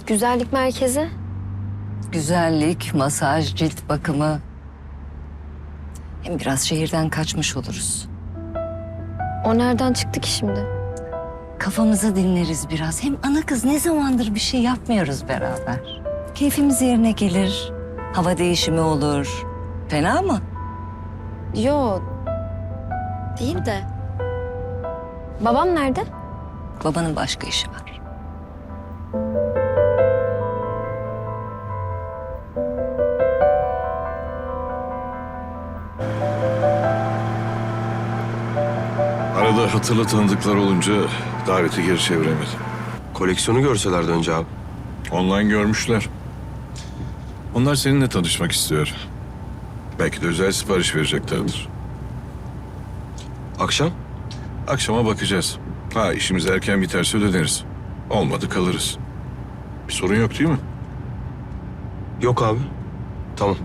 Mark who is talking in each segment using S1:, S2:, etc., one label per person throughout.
S1: Güzellik merkezi.
S2: Güzellik, masaj, cilt bakımı. Hem biraz şehirden kaçmış oluruz.
S1: O nereden çıktı ki şimdi?
S2: Kafamızı dinleriz biraz. Hem ana kız ne zamandır bir şey yapmıyoruz beraber. Keyfimiz yerine gelir. Hava değişimi olur. Fena mı?
S1: Yo. Değil de. Babam nerede?
S2: Babanın başka işi var.
S3: Arada hatırlı tanıdıklar olunca daveti geri çeviremedim.
S4: Koleksiyonu görselerdi önce abi.
S3: Online görmüşler. Onlar seninle tanışmak istiyor. Belki de özel sipariş vereceklerdir.
S4: Akşam?
S3: Akşama bakacağız. Ha, işimiz erken biterse ödeniriz. Olmadı kalırız. Bir sorun yok değil mi?
S4: Yok abi. Tamam.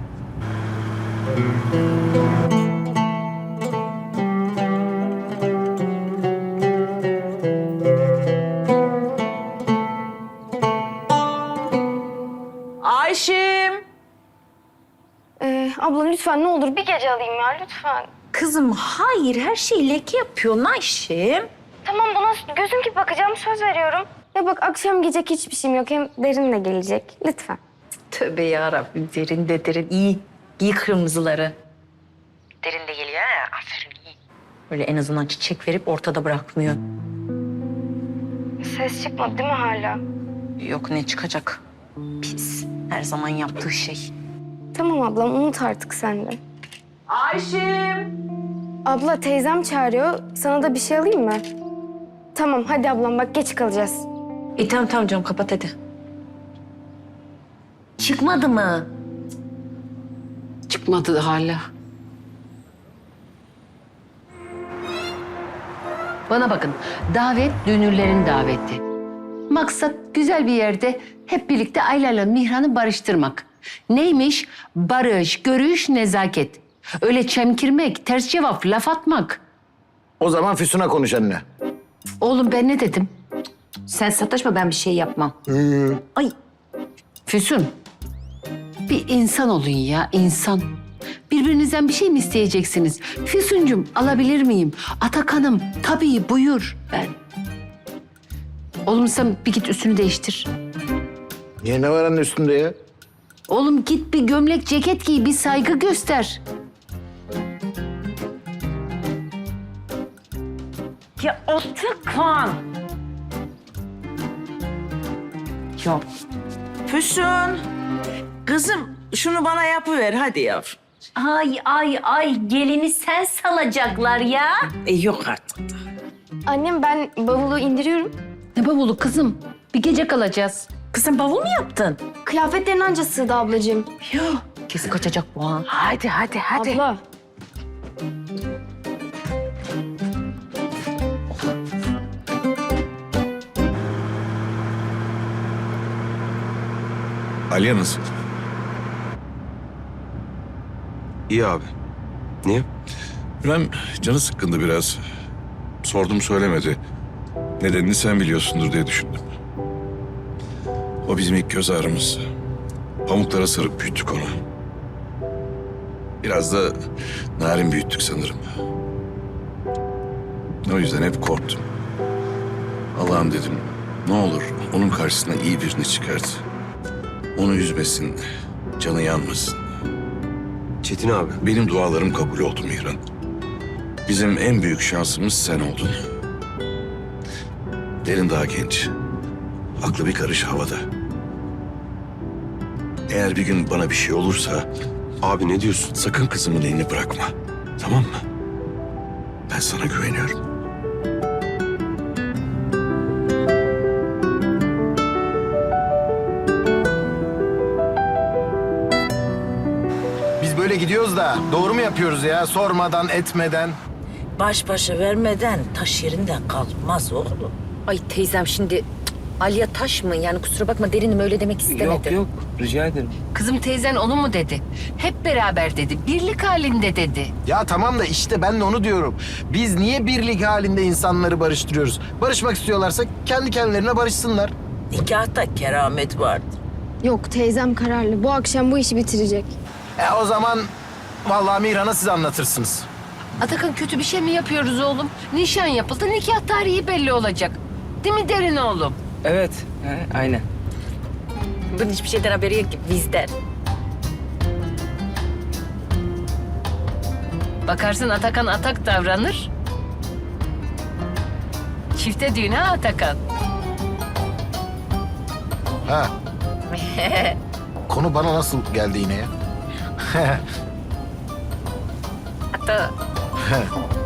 S5: Ayşim.
S1: Abla lütfen ne olur bir gece alayım ya lütfen.
S5: Kızım hayır her şeyi leke yapıyorsun Ayşim.
S1: Tamam buna gözüm gibi bakacağım söz veriyorum. Ya bak akşam gecek hiçbir şeyim yok hem Derin de gelecek lütfen.
S5: Tövbe yarabbim derin de derin iyi. Giy kırmızıları. Derin de geliyor ha aferin iyi. Böyle en azından çiçek verip ortada bırakmıyor.
S1: Ses çıkmadı değil mi hala?
S5: Yok ne çıkacak? Pis. Her zaman yaptığı şey.
S1: Tamam ablam unut artık sen de.
S5: Ayşim.
S1: Abla teyzem çağırıyor. Sana da bir şey alayım mı? Tamam hadi ablam bak geç kalacağız.
S5: Tamam canım kapat hadi. Çıkmadı mı?
S6: Çıkmadı hala. Bana bakın, davet dünürlerin daveti. Maksat güzel bir yerde hep birlikte Ayla'yla Mihran'ı barıştırmak. Neymiş? Barış, görüş, nezaket. Öyle çemkirmek, ters cevap, laf atmak.
S7: O zaman Füsun'a konuş anne.
S6: Oğlum ben ne dedim?
S5: Sen sataşma ben bir şey yapmam. Ay
S6: Füsun, bir insan olun ya, insan. Birbirinizden bir şey mi isteyeceksiniz? Füsuncum, alabilir miyim? Atakan'ım, tabii buyur. Ben. Oğlum sen bir git üstünü değiştir.
S7: Niye ne var anne üstünde ya?
S6: Oğlum git bir gömlek, ceket giy, bir saygı göster.
S5: ya Atakan. Yok.
S8: Füsun, kızım şunu bana yapıver hadi yavrum.
S5: Ay gelini sen salacaklar ya.
S8: Yok artık da.
S1: Annem ben bavulu indiriyorum.
S6: Ne bavulu kızım? Bir gece kalacağız.
S5: Kızım bavul mu yaptın?
S1: Kıyafetlerin anca sığdı ablacığım.
S5: Kesin kaçacak bu ha.
S8: Hadi.
S1: Abla.
S3: Aliye nasıl?
S4: İyi abi. Niye?
S3: Ben canı sıkkındı biraz. Sordum söylemedi. Nedenini sen biliyorsundur diye düşündüm. O bizim ilk göz ağrımız. Pamuklara sarıp büyüttük onu. Biraz da narin büyüttük sanırım. O yüzden hep korktum. Allah'ım dedim, ne olur onun karşısına iyi birini çıkart. Onu üzmesin, canı yanmasın.
S4: Çetin abi.
S3: Benim dualarım kabul oldu Mihran. Bizim en büyük şansımız sen oldun. Derin daha genç. Aklı bir karış havada. Eğer bir gün bana bir şey olursa
S4: Abi ne diyorsun?
S3: sakın kızımın elini bırakma. Tamam mı? Ben sana güveniyorum.
S7: Biz böyle gidiyoruz da doğru mu yapıyoruz ya? Sormadan, etmeden.
S8: Baş başa vermeden taş yerinden kalmaz oğlum.
S5: Ay teyzem şimdi Aliye taş mı? Yani kusura bakma derinim öyle demek istemedi.
S9: Yok rica ederim.
S6: Kızım teyzen onu mu dedi? Hep beraber dedi, birlik halinde dedi.
S7: Ya tamam da işte ben de onu diyorum. Biz niye birlik halinde insanları barıştırıyoruz? Barışmak istiyorlarsa kendi kendilerine barışsınlar.
S8: Nikahta keramet vardır.
S1: Yok teyzem kararlı. Bu akşam bu işi bitirecek.
S7: O zaman vallahi Mihran'a siz anlatırsınız.
S6: Atakan kötü bir şey mi yapıyoruz oğlum? Nişan yapıldı, nikah tarihi belli olacak. Değil mi Derin oğlum?
S9: Evet, aynen.
S5: Bunun hiçbir şeyden haberi yok ki bizden.
S6: Bakarsın Atakan atak davranır. Çifte düğün ha Atakan?
S7: Ha. Konu bana nasıl geldi yine ya?
S5: Hatta